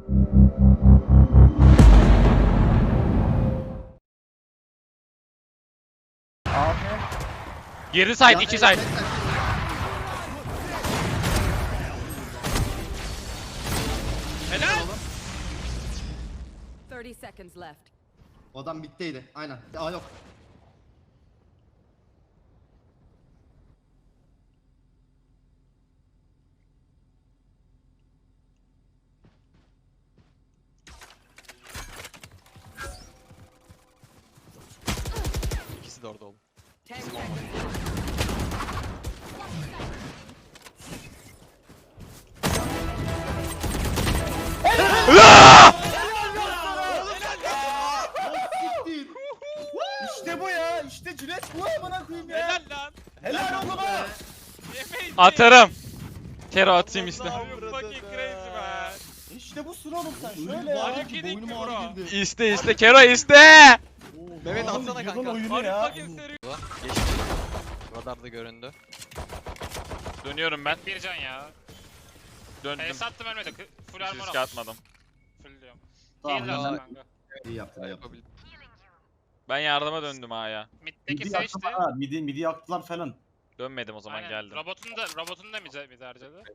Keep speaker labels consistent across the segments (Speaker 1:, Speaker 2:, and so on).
Speaker 1: Girdi side, 2 side. Helal.
Speaker 2: 30 seconds left.
Speaker 3: O adam bitteydi. Aynen. Aa yok.
Speaker 1: İkisi de orada oğlum.
Speaker 2: 10 seconds.
Speaker 4: İşte bu ya. İşte Cüneyt bu amına koyayım ya.
Speaker 1: Helal lan.
Speaker 4: Helal oğlum ha.
Speaker 1: Yemeyiz. Atarım. Kero atayım işte. Fucking crazy man.
Speaker 4: İşte bu sıra oğlum sen şöyle ya.
Speaker 1: Mario yedik mi bro?
Speaker 3: girdi.
Speaker 1: İste Kero iste.
Speaker 5: Mehmet
Speaker 4: Oğlum,
Speaker 5: atsana
Speaker 4: yılın
Speaker 5: kanka.
Speaker 4: oyunu
Speaker 1: Are you
Speaker 4: ya.
Speaker 1: fucking serious?
Speaker 5: Geçti. Radarda göründü.
Speaker 1: Dönüyorum ben.
Speaker 6: Bir can ya.
Speaker 1: Döndüm.
Speaker 6: Sattım ölmedi. Full
Speaker 1: Hiç
Speaker 6: armor
Speaker 1: riske atmadım.
Speaker 6: Full diyorum.
Speaker 3: Tamam.
Speaker 6: Heal
Speaker 5: ya.
Speaker 6: lazım kanka.
Speaker 3: İyi yaptın iyi yaptın.
Speaker 5: Yapabilir.
Speaker 1: Ben yardıma döndüm A'ya.
Speaker 6: Mid'deki
Speaker 4: Midi
Speaker 6: seçti.
Speaker 4: yaktılar ha. Midi yaktılar falan.
Speaker 1: Dönmedim o zaman
Speaker 6: Aynen.
Speaker 1: geldim.
Speaker 6: Robotunu da mid harcadı.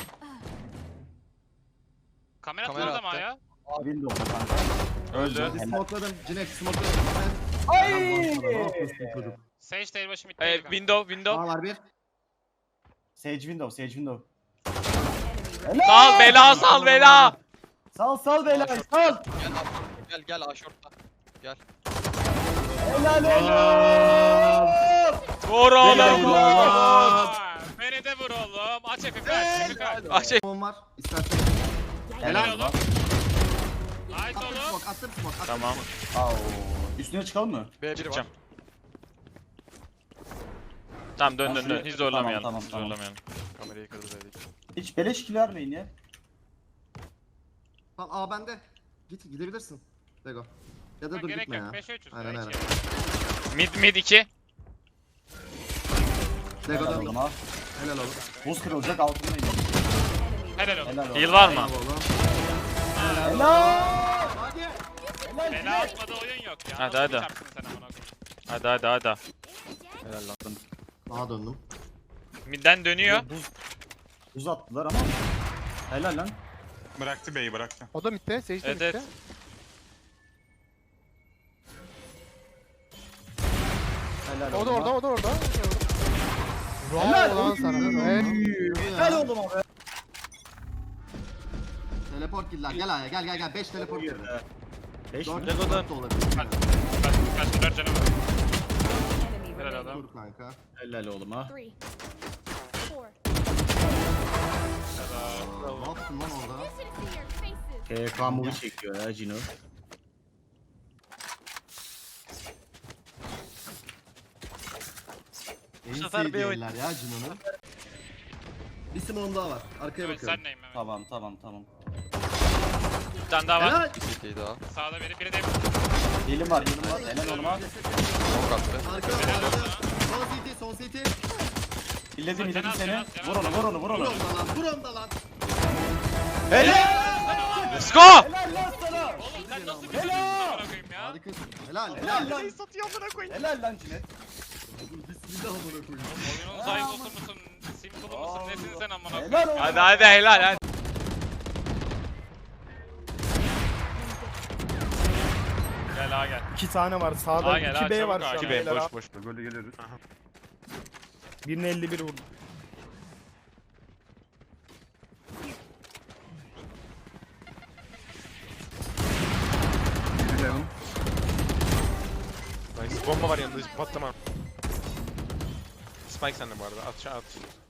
Speaker 6: Kamera
Speaker 5: Kamera
Speaker 6: attı ama
Speaker 5: attı.
Speaker 6: ya.
Speaker 4: Windows'da kanka.
Speaker 1: Öldü.
Speaker 3: Hadi smokeladım. Cinek smokeladım.
Speaker 4: Ay!
Speaker 3: Ne yapıyorsun çocuk?
Speaker 6: Sage de başı mid'deydi kanka.
Speaker 1: Window.
Speaker 3: Aa var bir.
Speaker 4: Sage window.
Speaker 1: Sal bela sal bela.
Speaker 4: Sal beyler sal.
Speaker 5: Gel aşortla. Gel.
Speaker 4: Helal helal.
Speaker 1: Vur oğlum.
Speaker 6: Aa, Beni de vur oğlum. Aç Efe kaç.
Speaker 1: Ah şey.
Speaker 3: Smokon var. İstersen.
Speaker 6: Helal oğlum. Nice
Speaker 3: Attım
Speaker 6: oğlum.
Speaker 3: smoke. Attım smoke. attım
Speaker 1: Tamam.
Speaker 3: smoke.
Speaker 4: Au. Üstüne çıkalım mı?
Speaker 5: B1 var.
Speaker 1: Çıkacağım. Tamam dön. Hiç zorlamayalım.
Speaker 4: Tamam.
Speaker 1: Hiç zorlamayalım.
Speaker 5: Kamerayı kırdı B'deki.
Speaker 4: Hiç beleş kill vermeyin ya.
Speaker 3: Tamam aa bende. Gidebilirsin. Lego. Ya da
Speaker 6: Ha,
Speaker 3: dur
Speaker 6: gerek
Speaker 3: gitme
Speaker 6: yok.
Speaker 3: ya.
Speaker 6: 5'e 3'üz.
Speaker 3: Aynen aynen.
Speaker 1: Mid 2.
Speaker 3: Lego
Speaker 4: Helal
Speaker 3: döndüm.
Speaker 4: oğlum ha.
Speaker 3: Helal oğlum.
Speaker 4: Buz kırılacak altındayım.
Speaker 6: Helal oğlum.
Speaker 4: Helal oğlum.
Speaker 1: Heal var mı?
Speaker 3: Helal oğlum.
Speaker 4: Helal.
Speaker 3: Hadi.
Speaker 4: Helal.
Speaker 6: Bela atmadı oyun yok ya.
Speaker 1: Hadi,
Speaker 6: Nasıl
Speaker 1: hadi.
Speaker 6: bir çarpsın sen amına koyayım?
Speaker 1: Hadi.
Speaker 4: Helal lan.
Speaker 3: Daha döndüm.
Speaker 1: Midden dönüyor.
Speaker 4: Buz attılar ama. Helal lan.
Speaker 7: Bıraktı B'yi bıraktı.
Speaker 8: O da mitte, Sage de
Speaker 1: Evet.
Speaker 8: mitte.
Speaker 4: Helal
Speaker 8: O da
Speaker 4: oğlum ha.
Speaker 8: orada.
Speaker 4: Helal
Speaker 8: Bravo lan sana. Evet.
Speaker 4: Helal oğlum abi.
Speaker 3: Teleport giller. Gel aya gel. 5 teleport girdi.
Speaker 4: 5 mi?
Speaker 3: 4
Speaker 1: Lego'dan.
Speaker 3: da olabilir.
Speaker 6: Kaç 4 canım var.
Speaker 2: Enemy
Speaker 6: Helal
Speaker 2: remaining.
Speaker 6: adam.
Speaker 3: Dur kanka.
Speaker 4: Helal oğlum ha.
Speaker 2: 3, 4.
Speaker 3: Ne yaptın lan orada?
Speaker 4: KK movie çekiyor ya Cino.
Speaker 3: En
Speaker 1: sefer bir oyun.
Speaker 3: sevdiğiler ya Cino'nun. Bir Simon daha var. Arkaya
Speaker 6: Evet
Speaker 3: bakıyorum.
Speaker 6: sen neyim Mehmet?
Speaker 4: Tamam.
Speaker 1: Bir tane daha var.
Speaker 3: Helal.
Speaker 5: CT daha.
Speaker 6: Sağda biri de
Speaker 4: Healim var. Helal oğlum ha.
Speaker 5: Smoke attı.
Speaker 3: Arkaya son CT.
Speaker 4: Hilledim
Speaker 6: Cenaz,
Speaker 4: seni.
Speaker 6: Cenaz.
Speaker 4: Vur onu.
Speaker 3: Vur onda lan.
Speaker 1: Let's go.
Speaker 4: Helal lan sana.
Speaker 6: Oğlum sen nasıl bir çocuksun amına koyayım ya?
Speaker 3: Harikasın. Helal.
Speaker 4: Helal lan. Helal lan Cinet.
Speaker 3: Bismillah amına koyayım.
Speaker 6: Oyunun zayıflısı mısın? Simple mısın? Nesin sen amına koyayım?
Speaker 4: Helal oğlum.
Speaker 1: Hadi helal. Gel gel.
Speaker 8: 2 tane var sağda.
Speaker 1: Aa, gel,
Speaker 8: 2B
Speaker 1: çabuk
Speaker 8: var
Speaker 1: aa,
Speaker 8: şu an.
Speaker 1: 2B,
Speaker 8: beyler ha.
Speaker 7: Boş. Böyle geliyoruz.
Speaker 8: Birine 51 vurdum.
Speaker 7: Nice. Bomba var yanında hiç patlama. Spike sende bu arada. At.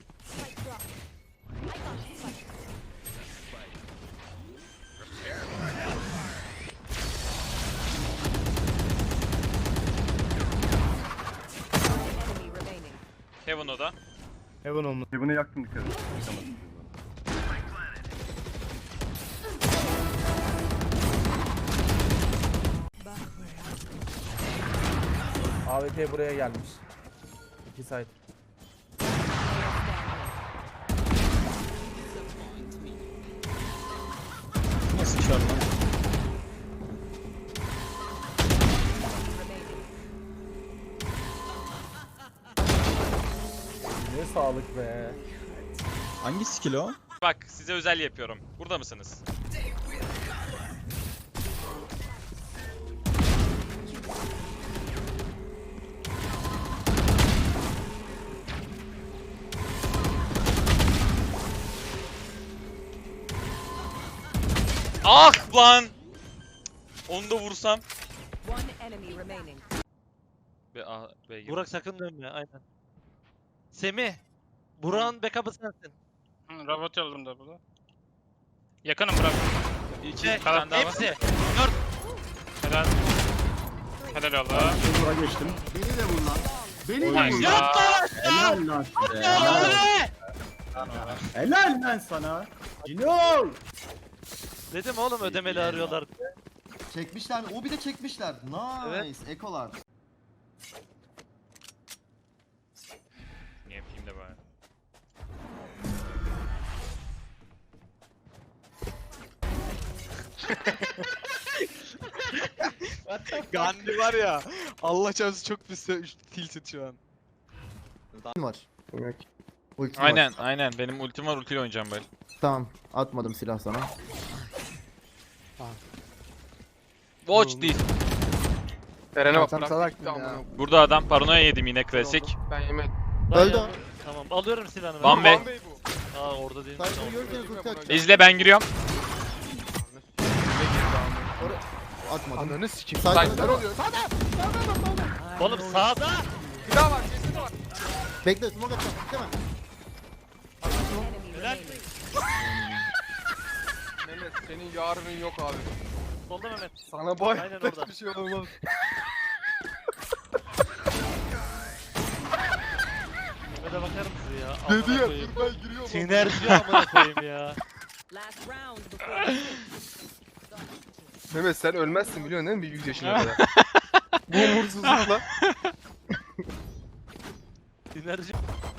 Speaker 2: Enemy remaining.
Speaker 1: Heaven o da.
Speaker 8: Heaven olmuş.
Speaker 7: Bunu yaktım dikkat et.
Speaker 8: AWP buraya gelmiş. 2 side.
Speaker 2: remaining.
Speaker 8: Ne sağlık be.
Speaker 9: Hangi skill o?
Speaker 1: Bak size özel yapıyorum. Burada mısınız? Ah lan! Onu da vursam.
Speaker 2: One enemy remaining.
Speaker 1: B gibi.
Speaker 10: Burak sakın dönme aynen. Semih. Burak'ın backup'ı sensin.
Speaker 6: Robot yolladım da burada. Yakınım bırak.
Speaker 1: İki
Speaker 10: Şey,
Speaker 1: tane daha var.
Speaker 10: hepsi.
Speaker 6: Helal. Helal oldu.
Speaker 3: Bura geçtim. Beni de vur lan. Beni de vur.
Speaker 6: Nice.
Speaker 4: Helal lan size. Helal. Helal lan sana. Cino.
Speaker 10: Dedim oğlum ödemeli arıyorlar.
Speaker 3: Çekmişler. O bir de çekmişler. Nice.
Speaker 10: Evet.
Speaker 3: Ekolar.
Speaker 1: Ne yapayım da bari.
Speaker 5: Gandhi var ya. Allah çarpsın çok pis tilted şu an.
Speaker 11: var. Ultim
Speaker 1: Aynen
Speaker 11: var.
Speaker 1: aynen benim ultim var, ultiyle oynayacağım böyle.
Speaker 11: Tamam. Atmadım silah sana.
Speaker 1: Watch this.
Speaker 7: Eren'e bak.
Speaker 11: Sen
Speaker 7: bırak
Speaker 11: salak
Speaker 7: gitti
Speaker 11: mısın ya?
Speaker 7: amına.
Speaker 1: Burada adam paranoya yedim yine klasik.
Speaker 7: Ben yemedim.
Speaker 11: Öldü o.
Speaker 10: Tamam alıyorum silahını.
Speaker 1: Van Bey.
Speaker 7: Bey bu.
Speaker 10: Aa orada değil.
Speaker 11: Saygı görürseniz ulti atacağım.
Speaker 1: İzle ben giriyorum.
Speaker 11: Atmadım.
Speaker 7: Ananı sikeyim.
Speaker 11: Saygı
Speaker 7: Ne oluyor?
Speaker 10: Oğlum sağda.
Speaker 7: Bir daha var. Kesin de var.
Speaker 11: Bekle smoke atacağım. Tamam.
Speaker 2: Enemy
Speaker 10: Helal.
Speaker 2: remaining.
Speaker 7: Mehmet senin yarının yok abi.
Speaker 10: Solda Mehmet.
Speaker 7: Sana boy.
Speaker 10: Aynen orada.
Speaker 7: Bir şey olmaz.
Speaker 10: Mehmet'e bakar mısın ya?
Speaker 7: Dedi
Speaker 10: Amına
Speaker 7: ya
Speaker 10: koyayım.
Speaker 7: dur ben giriyorum.
Speaker 10: Sinerji amına koyayım ya.
Speaker 2: Last round before
Speaker 7: Mehmet sen ölmezsin biliyorsun değil mi bir 100 yaşına kadar? Bu umursuzlukla.
Speaker 10: Sinerji.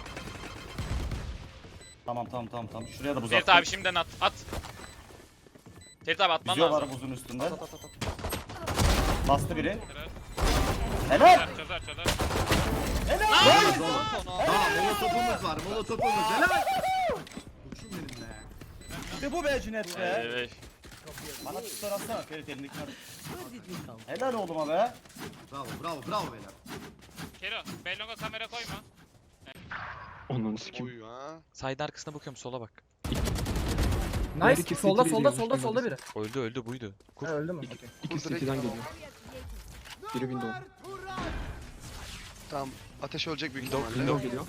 Speaker 4: Tamam. Şuraya da buz
Speaker 1: Ferit
Speaker 4: attım.
Speaker 1: abi şimdiden at. At. Ferit abi atman
Speaker 4: Yüzüyorlar
Speaker 1: lazım.
Speaker 4: buzun üstünde. Bastı biri.
Speaker 6: Helal.
Speaker 4: Helal.
Speaker 6: Çözer çözer.
Speaker 3: Tamam molotopumuz var. Molotopumuz. Helal. Kurşun benim be.
Speaker 4: İşte bu be Cüneyt be.
Speaker 1: Evet.
Speaker 4: Bana tutar atsana Ferit elindekini at. Helal oğluma be.
Speaker 3: Bravo beyler.
Speaker 6: Kero, Bellong'a kamera koyma.
Speaker 7: Onunu sikeyim.
Speaker 1: Side arkasına bakıyorum, sola bak.
Speaker 8: Nice. Solda biri.
Speaker 1: Öldü buydu. Kur.
Speaker 8: Ha, öldü mü?
Speaker 7: İkisi ikiden geliyor. Biri window. Tamam. Ateş olacak büyük ihtimalle.
Speaker 2: standing. Standing.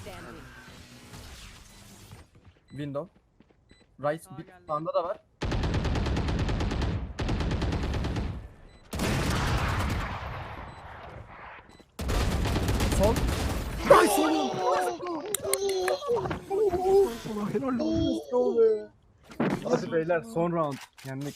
Speaker 8: Window. Right. Bir sağında da var. Sol. Hadi beyler son round. Yendik.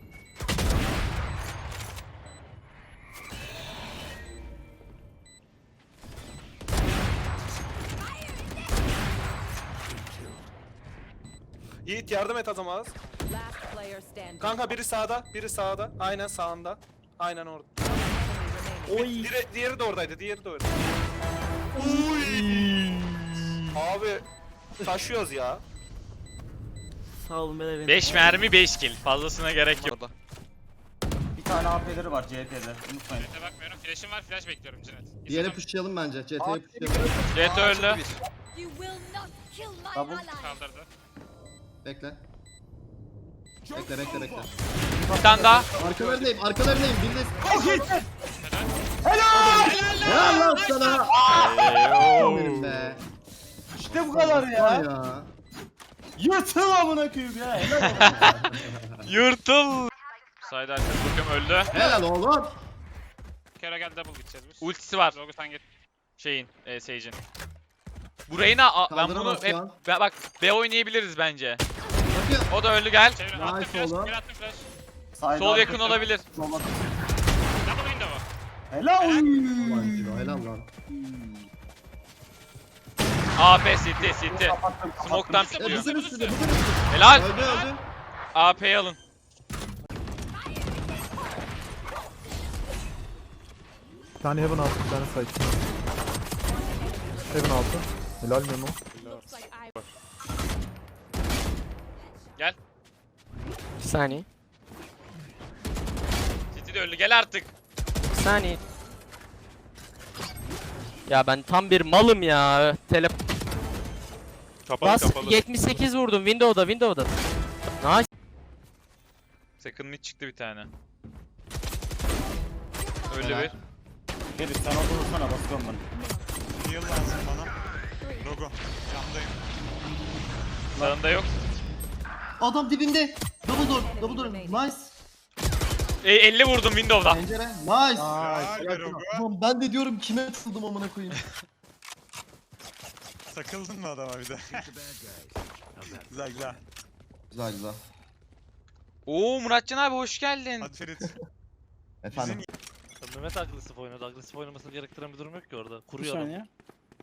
Speaker 9: Yiğit yardım et adama az.
Speaker 2: Last player standing.
Speaker 9: Kanka biri sağda, biri sağda. Aynen sağında. Aynen orada.
Speaker 2: Enemy remaining.
Speaker 9: Diğeri de oradaydı, diğeri de orada. Abi taşıyoruz ya.
Speaker 10: Sağ olun beyler.
Speaker 1: 5 mermi 5 kill. Fazlasına gerek yok.
Speaker 5: Orada.
Speaker 4: Bir tane AP'leri var CT'de. Unutmayın.
Speaker 6: Jet'e bakmıyorum. Flash'im var, flash bekliyorum Cinet.
Speaker 3: Diğeri pushlayalım bence. CT'ye pushlayalım.
Speaker 1: Jet öldü.
Speaker 2: You will not kill my
Speaker 4: Double.
Speaker 2: ally.
Speaker 6: Kaldırdı.
Speaker 3: Bekle. Bekle.
Speaker 1: Bir tane daha.
Speaker 3: Arkalarındayım. Biriniz.
Speaker 6: Helal.
Speaker 3: Helal lan sana.
Speaker 1: Eyyoo.
Speaker 3: Benim be.
Speaker 4: İşte bu kadar
Speaker 3: Var
Speaker 4: ya.
Speaker 3: ya.
Speaker 4: Yırtıl amına koyayım ya. Helal oğlum.
Speaker 1: Yırtıl. Side arkası bakıyorum, öldü.
Speaker 3: Helal oğlum.
Speaker 6: Kero gel double gideceğiz biz.
Speaker 1: Ultisi var.
Speaker 6: Zogu sen git.
Speaker 1: Şeyin, Sage'in. Burayı ben bunu
Speaker 3: Kaldıramaz
Speaker 1: hep
Speaker 3: şu an.
Speaker 1: bak B oynayabiliriz bence.
Speaker 3: Bakıyor.
Speaker 1: O da öldü, gel.
Speaker 6: Çevir.
Speaker 3: Nice
Speaker 6: Attım flash.
Speaker 3: oğlum.
Speaker 6: Bir attım flash.
Speaker 4: Side
Speaker 1: Sol yakın
Speaker 4: arkası.
Speaker 1: olabilir.
Speaker 4: Sola.
Speaker 6: Double window'u.
Speaker 4: Helal.
Speaker 3: Ulan Ciro, helal lan.
Speaker 1: AP CT.
Speaker 4: Kapattım.
Speaker 1: Smoke'tan
Speaker 3: Ya
Speaker 1: pikliyor.
Speaker 3: buzun üstünde.
Speaker 1: Helal.
Speaker 3: Öldü.
Speaker 1: AP'yi alın.
Speaker 8: Bir tane Heaven altı, bir tane side. Heaven altı. Helal Memo.
Speaker 2: Looks like I
Speaker 10: Bir saniye.
Speaker 1: City de öldü gel artık.
Speaker 10: Bir saniye. Ya ben tam bir malım ya.
Speaker 1: Kapalı
Speaker 10: Bas 78 vurdum Windows'da. Nice.
Speaker 1: Second mid çıktı bir tane. Öldü
Speaker 3: Helal.
Speaker 1: bir.
Speaker 4: Ferit sen oturursana basıyorum ben.
Speaker 5: Heal lazım bana. Logo. Camdayım.
Speaker 1: Sağında yok.
Speaker 3: Adam dibinde. Double door. Nice.
Speaker 1: 50 vurdum Windows'da.
Speaker 3: Pencere. Nice.
Speaker 5: Helal be Logo.
Speaker 3: Ulan ben de diyorum kime atıldım amına koyayım.
Speaker 5: Takıldın mı adama bir de? Güzel güzel.
Speaker 3: Güzel.
Speaker 1: Oo Muratcan abi hoş geldin.
Speaker 5: Hadi Ferit.
Speaker 3: Efendim.
Speaker 10: Mehmet agresif oynadı. Agresif oynamasını gerektiren bir durum yok ki orada.
Speaker 4: Bir
Speaker 10: Kuruyor adam.
Speaker 4: saniye.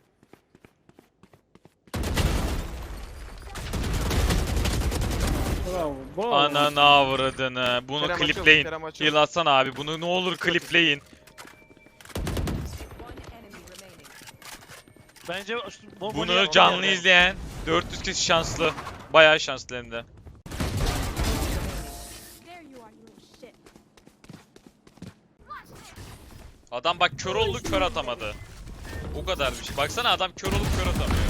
Speaker 4: Bravo.
Speaker 1: Ananı avradını. Bunu
Speaker 7: Kerem açıl,
Speaker 1: klipleyin.
Speaker 7: Kerem açıl.
Speaker 1: Heal atsana abi. Bunu ne olur klipleyin.
Speaker 2: one enemy remaining.
Speaker 10: Bence
Speaker 1: Bunu canlı izleyen 400 kişi şanslı. Bayağı şanslı hem de.
Speaker 2: There you are, you little shit.
Speaker 1: Adam bak kör oldu kör atamadı. O kadar bir şey. Baksana adam kör olup kör atamıyor.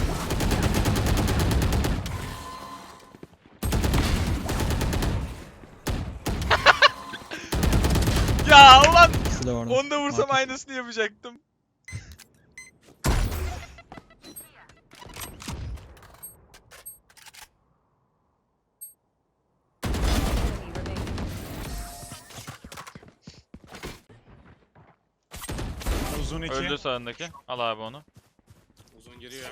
Speaker 1: Ya ulan onu da vursam aynısını yapacaktım.
Speaker 2: Enemy remaining.
Speaker 5: Uzun 2.
Speaker 1: Öldü sağındaki. Al abi onu.
Speaker 6: Uzun giriyor.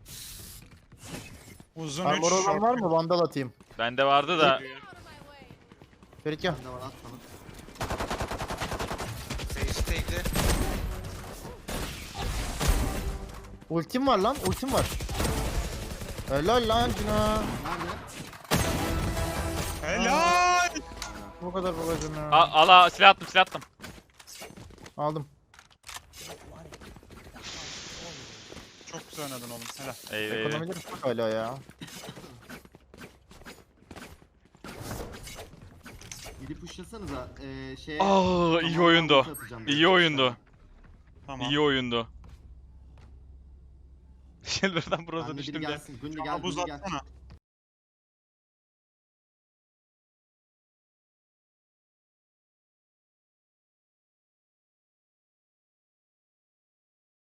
Speaker 5: Uzun
Speaker 11: Armor
Speaker 5: 3.
Speaker 11: olan var mı? Vandal atayım.
Speaker 1: Bende vardı da.
Speaker 11: Ferit gel.
Speaker 3: Ne var at bana.
Speaker 11: Ultim var lan. Ultim var. Helal lan Cina.
Speaker 3: Nerede?
Speaker 5: Helal.
Speaker 11: Bu kadar babacım ya.
Speaker 1: Al silah attım.
Speaker 11: Aldım.
Speaker 5: Çok güzel oynadın oğlum. Helal.
Speaker 1: Eyvah.
Speaker 11: Ekonomileri çok hala ya.
Speaker 3: Gidip pushlasanıza. Şeye.
Speaker 1: Aa iyi oyundu.
Speaker 3: Atacağım
Speaker 1: İyi oyundu.
Speaker 5: Tamam.
Speaker 1: İyi oyundu. Shelter'dan
Speaker 3: Ben
Speaker 1: Bros'a
Speaker 3: de biri
Speaker 1: düştüm ya.
Speaker 3: gelsin. Gündü gel.
Speaker 5: Bana buz
Speaker 3: Gündü gel.
Speaker 5: atsana.